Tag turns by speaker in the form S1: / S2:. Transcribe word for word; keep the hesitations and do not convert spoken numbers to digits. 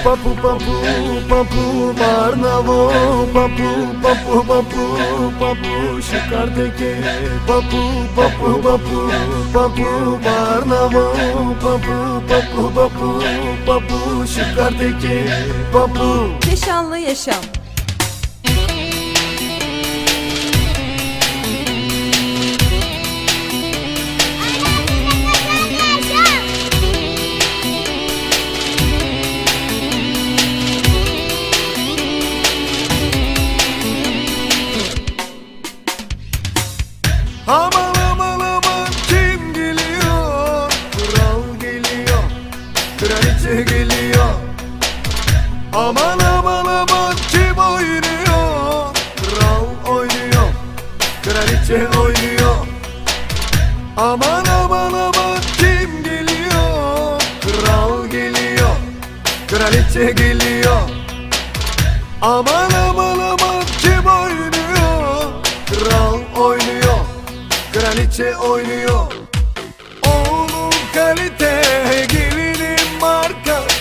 S1: Papu papu papu Varnavo papu papu papu papu शिकार देके papu papu papu papu Varnavo papu papu papu papu शिकार देके papu.
S2: Keşanlı yaşam.
S1: Aman aman aman kim geliyor? Kral geliyor, kraliçe geliyor. Aman aman aman kim oynuyor? Kral oynuyor, kraliçe oynuyor. Aman aman aman kim geliyor? Kral geliyor, kraliçe geliyor. Aman aman aman kim oynuyor? Kral oynuyor, kraliçe oynuyor. Oğlum kalite, gelinim marka,